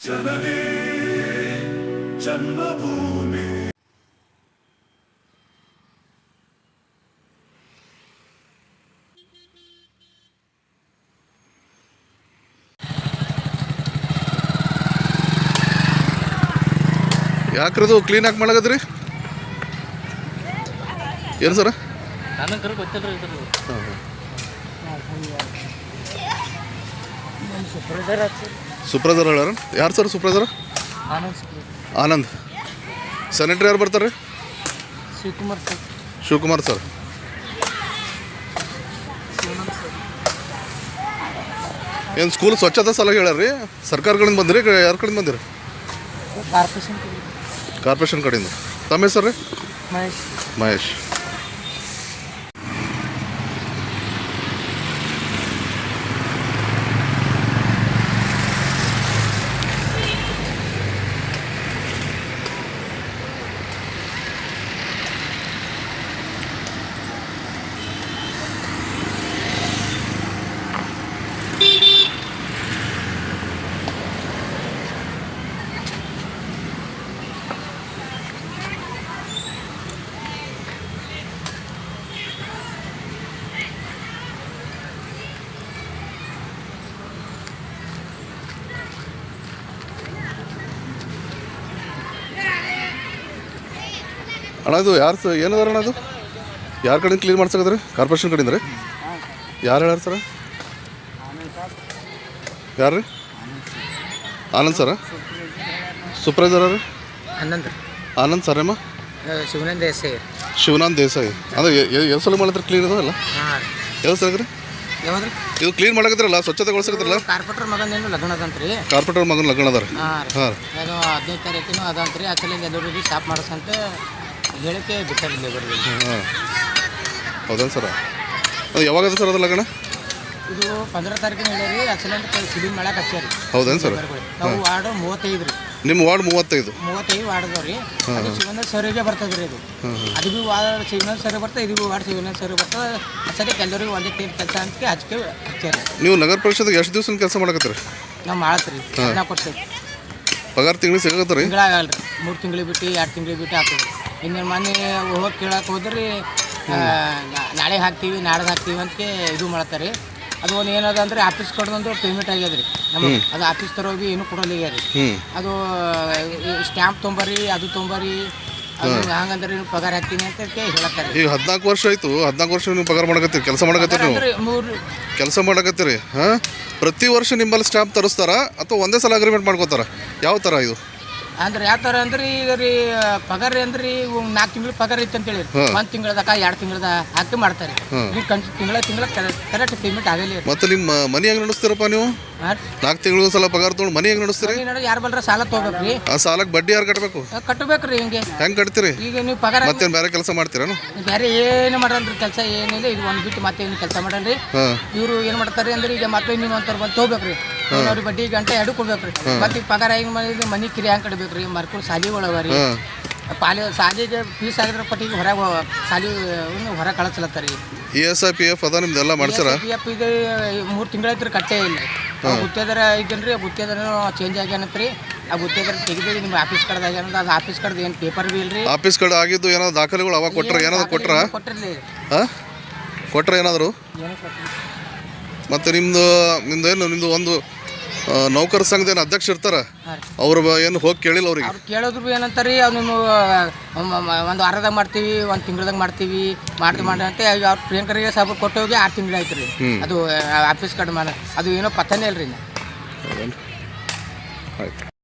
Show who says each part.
Speaker 1: ಜನನಿ ಜನ್ಮಭೂಮಿ. ಯಾಕ್ರದು clean ಆಗಿ ಮಾಡಕದ್ರಿ? ಏನು ಸರ? ಸುಪ್ರದರ್ ಹೇಳಾರ. ಯಾರು ಸರ್ ಸುಪ್ರದರ್? ಆನಂದ್. ಸೆನೆಟ್ರಿ ಯಾರು ಬರ್ತಾರೆ? ಶಿವಕುಮಾರ್ ಸರ್. ಏನು ಸ್ಕೂಲ್ ಸ್ವಚ್ಛತಾ ಸಲಹೆ ಹೇಳ್ಯಾರ ರೀ? ಸರ್ಕಾರ ಕಡೆಯಿಂದ ಬಂದಿರಿ, ಯಾರ ಕಡೆಯಿಂದ ಬಂದಿರಿ? ಕಾರ್ಪೊರೇಷನ್ ಕಡೆಯಿಂದ. ತಮ್ಮ ಹೆಸರು ರೀ? ಮಹೇಶ್. ಅಣ್ಣ ಅದು ಯಾರು ಏನದಾರ ಅಣ್ಣ? ಅದು ಯಾರ ಕಡೆಯಿಂದ ಕ್ಲೀನ್ ಮಾಡ್ಸಕದ್ರಿ? ಕಾರ್ಪೊರೇಷನ್ ಕಡೆಯಿಂದ ರೀ? ಯಾರು ಹೇಳ್ಯಾರ ಸರ? ಯಾರು ರೀ? ಆನಂದ್ ಸರ? ಸೂಪರ್ವೈಸರ್ ರೀ? ಆನಂದ್ ಸರ್ ಅಮ್ಮ? ಶಿವನಾಥ್ ದೇಸಾಯಿ. ಅಂದ್ರೆ ಎಷ್ಟು ಸಲ ಮಾಡಿದ್ರೆ ಕ್ಲೀನ್ ಅದಾವಲ್ಲ? ಯಾವ ಸಲ ರೀ ಇದು ಕ್ಲೀನ್ ಮಾಡಕತ್ತಿರಲ್ಲ, ಸ್ವಚ್ಛತೆಗೊಳಿಸಕತ್ತಿರಲ್ಲ?
Speaker 2: ಕಾರ್ಪೊರೇಟರ್ ಮಗನ ಲಗ್ನ ಅದಂತ್ರಿ.
Speaker 1: ಕಾರ್ಪೊರೇಟರ್ ಮಗನ ಲಗ್ನ ಅದ ರೀ?
Speaker 2: ಹಾಂ, ಅದು 15 ತಾರೀಕಿನೂ ಅದಂತ್ರಿ. ಅಸಲಿಂದ ಎಲ್ಲರಿಗೆ ಸ್ಟಾಪ್ ಮಾಡಿಸಂತ ಹೇಳಿಕೆ ಬಿಟ್ಟಾರಿ ಲೇಬರ್ಗೆ.
Speaker 1: ಹಾಂ, ಹೌದೇನು ಸರ? ಅದು ಯಾವಾಗ ಅದ ಸರ್ ಅದು ಲಗ್ನ?
Speaker 2: ಇದು 15 ತಾರೀಕಿನ ಹೇಳಿರಿ. ಅಸಲಿಂದ ಕ್ಲೀನ್ ಮಾಡಕ್ಕೆ ಹಚ್ಚಾರಿ.
Speaker 1: ಹೌದೇನು ಸರ್?
Speaker 2: ನಾವು ವಾರ್ಡ್ 35 ರೀ.
Speaker 1: ನಿಮ್ಮ ವಾರ್ಡ್ 35
Speaker 2: ವಾರ್ಡ್ ಅದಾವ ರೀ. ಅದು ಶಿವನ ಸರಿಗೆ ಬರ್ತದೆ ರೀ. ಅದು ಅದು ಭೀ ವಾರ್ಡ್ ಶಿವನ ಸರಿ ಬರ್ತದೆ, ಇದು ಭೀ ವಾರ್ಡ್ ಶಿವನ ಸರಿ ಬರ್ತದೆ. ಸದ್ಯಕ್ಕೆ ಎಲ್ಲರಿಗೂ ಒಂದೇ ಟೈಮ್ ಕೆಲಸ ಅಂತ ಹಚ್ಚಾರಿ.
Speaker 1: ನೀವು ನಗರ ಪರಿಷತ್ಗೆ ಎಷ್ಟು ದಿವಸ ಕೆಲಸ ಮಾಡಕತ್ತೀರಿ?
Speaker 2: ನಾವು ಮಾಡತ್ತೀರಿ 14 ವರ್ಷ.
Speaker 1: ಪಗಾರ ತಿಂಗಳಿಗೆ ಸಿಗತ್ತೀರಿ?
Speaker 2: ತಿಂಗಳಾಗಲ್ಲ ರೀ. 3 ತಿಂಗಳಿಗೆ ಬಿಟ್ಟು 2 ತಿಂಗಳಿಗೆ ಬಿಟ್ಟು ಆಗ್ತದೆ. ಇನ್ನು ಮೊನ್ನೆ ಹೋಗಿ ಕೇಳಕ್ಕೆ ಹೋದ್ರಿ ನಾಳೆ ಹಾಕ್ತೀವಿ ನಾಡ್ದು ಹಾಕ್ತೀವಿ ಅಂತ ಇದು ಮಾಡ್ತಾರೆ. ಅದು ಒಂದು ಏನದ ಅಂದ್ರೆ ಆಫೀಸ್ ಕಡೆದೊಂದು ಪೇಮೆಂಟ್ ಆಗ್ಯದ ರೀ ನಮಗೆ. ಅದು ಆಫೀಸ್ ತರೋಗಿ ಏನು ಕೊಡೋಲ್ಲ ರೀ. ಅದು ಸ್ಟ್ಯಾಂಪ್ ತೊಂಬರಿ, ಅದು ತೊಂಬರಿ, ಅದು ಹಂಗಂದ್ರೆ ನೀವು ಪಗಾರ ಹಾಕ್ತೀನಿ ಅಂತ ಹೇಳತ್ತಾರೆ.
Speaker 1: ಈಗ 14 ವರ್ಷ ಆಯ್ತು. 14 ವರ್ಷ ನೀವು ಪಗಾರ ಮಾಡಕತ್ತೀರಿ, ಕೆಲಸ ಮಾಡಕತ್ತೀರಿ, ನೀವು ಕೆಲಸ ಮಾಡಕತ್ತೀರಿ. ಹಾಂ, ಪ್ರತಿ ವರ್ಷ ನಿಮ್ಮಲ್ಲಿ ಸ್ಟ್ಯಾಂಪ್ ತರಿಸ್ತಾರ ಅಥವಾ ಒಂದೇ ಸಲ ಅಗ್ರಿಮೆಂಟ್ ಮಾಡ್ಕೋತಾರ? ಯಾವ ಥರ ಇದು?
Speaker 2: ಅಂದ್ರೆ ಯಾವ ಥರ ಅಂದ್ರೆ ಈಗ ರೀ ಪಗಾರ ಅಂದ್ರೆ 4 ತಿಂಗಳು ಪಗಾರ ಇತ್ತು ಅಂತೇಳಿ 1 ತಿಂಗಳದಾಗ 2 ತಿಂಗಳದ ಹಾಕಿ ಮಾಡ್ತಾರೆ. ತಿಂಗಳ ಕರೆಕ್ಟ್ ಪೇಮೆಂಟ್ ಆಗಲಿ.
Speaker 1: ಮತ್ತೆ ನಿಮ್ಮ ಮನೆ ಹೆಂಗೆ ನಡೆಸ್ತೀರಪ್ಪ ನೀವು? 4 ತಿಂಗಳು ಸಲ ಪಗಾರ ತೊಗೊಂಡು ಮನೆ ಹೆಂಗೆ ನಡೆಸ್ತೀರಿ?
Speaker 2: ಯಾರು ಬಲ್ರ ಸಾಲ ತೊಗೋಬೇಕ್ರಿ.
Speaker 1: ಆ ಸಾಲಕ್ಕೆ ಬಡ್ಡಿ ಯಾರು ಕಟ್ಟಬೇಕು?
Speaker 2: ಕಟ್ಟಬೇಕ್ರಿ. ಹೆಂಗೆ
Speaker 1: ಕಟ್ತೀರಿ?
Speaker 2: ಈಗ ನೀವು ಪಗಾರ
Speaker 1: ಮತ್ತೆ ಬೇರೆ ಕೆಲಸ ಮಾಡ್ತೀರಾ?
Speaker 2: ಬೇರೆ ಏನು ಮಾಡಲ್ರಿ ಕೆಲಸ, ಏನಿಲ್ಲ. ಇದು ಒಂದು ಬಿಟ್ಟು ಮತ್ತೆ ಏನು ಕೆಲಸ ಮಾಡಲ್ರಿ. ಇವರು ಏನು ಮಾಡ್ತಾರೆ ಅಂದ್ರೆ ಈಗ ಮತ್ತೆ ನೀವು ಅಂತಾರೆ ಬಂದು ತೊಗೋಬೇಕ್ರಿ. ಅವ್ರಿಗೆ ಬಡ್ಡಿ ಗಂಟೆ 2 ಕೊಡ್ಬೇಕ್ರಿ. ಮತ್ತೆ ಈಗ ಪಗಾರ ಹೆಂಗೆ ಮಾಡಿದ್ರೆ ಮನೆ ಕಿರಿ ಹೆಂಗೆ ಕಟ್ಬೇಕ್ರಿ? ಮರ್ಕೊಂಡು ಸಾಲಿ ಒಳಗರಿ ಸಾಲಿಗೆ ಫೀಸ್ ಆಗಿದ್ರೆ ಪಟ್ಟಿಗೆ ಹೊರಗೆ ಸಾಲಿ ಹೊರ ಕಳಿಸ್ಲತ್ತಾರಿ. ESI
Speaker 1: PF ಅದ ನಿಮ್ದೆಲ್ಲ ಮಾಡ್ಸಾರ?
Speaker 2: PF ಇದು 3 ತಿಂಗಳಾಯ್ತು ಕಟ್ಟೇ ಇಲ್ಲ. ಗುತ್ತೇದಾರ ಐತೇನ್ರಿ, ಗುತ್ತೇದಾರ ಚೇಂಜ್ ಆಗ್ಯಾನತ್ರಿ. ಆ ಗುತ್ತೇದಾರ ತೆಗೆದು ನಿಮ್ಮ ಆಫೀಸ್ ಕಡ್ದಾಗ ಏನಂದ್ರೆ ಅದು ಆಫೀಸ್ ಕಡ್ದು ಏನು ಪೇಪರ್ ಬಿ ಇಲ್ರಿ.
Speaker 1: ಆಫೀಸ್ ಕಡೆ ಆಗಿದ್ದು ಏನಾದ್ರು ದಾಖಲೆಗಳು ಅವಾಗ ಕೊಟ್ರ? ಏನಾದ್ರು
Speaker 2: ಕೊಟ್ಟಿರಲಿ.
Speaker 1: ಕೊಟ್ರ ಏನಾದ್ರು? ಮತ್ತೆ ನಿಮ್ದು ಒಂದು ನೌಕರ ಸಂಘದ ಏನು ಅಧ್ಯಕ್ಷ ಇರ್ತಾರ, ಅವ್ರು ಏನು ಹೋಗಿ ಕೇಳಿಲ್ಲ ಅವ್ರಿಗೆ?
Speaker 2: ಅವ್ರು ಕೇಳೋದ್ರು ಏನಂತಾರೆ, ಅವ್ರು ನೀವು ಒಂದು ವಾರದಾಗ ಮಾಡ್ತೀವಿ, 1 ತಿಂಗಳದಾಗ ಮಾಡ್ತೀವಿ ಮಾಡಿ ಅಂತ ಅವ್ರು ಪ್ರಿಯಾಂಕರಿಗೆ ಸಾಬ್ರು ಕೊಟ್ಟು ಹೋಗಿ 6 ತಿಂಗಳು ಆಯ್ತು ರೀ. ಅದು ಆಫೀಸ್ ಕಡೆ ಅದು ಏನೋ ಪತ್ತನೇ ಇಲ್ರಿ.
Speaker 1: ಆಯ್ತು.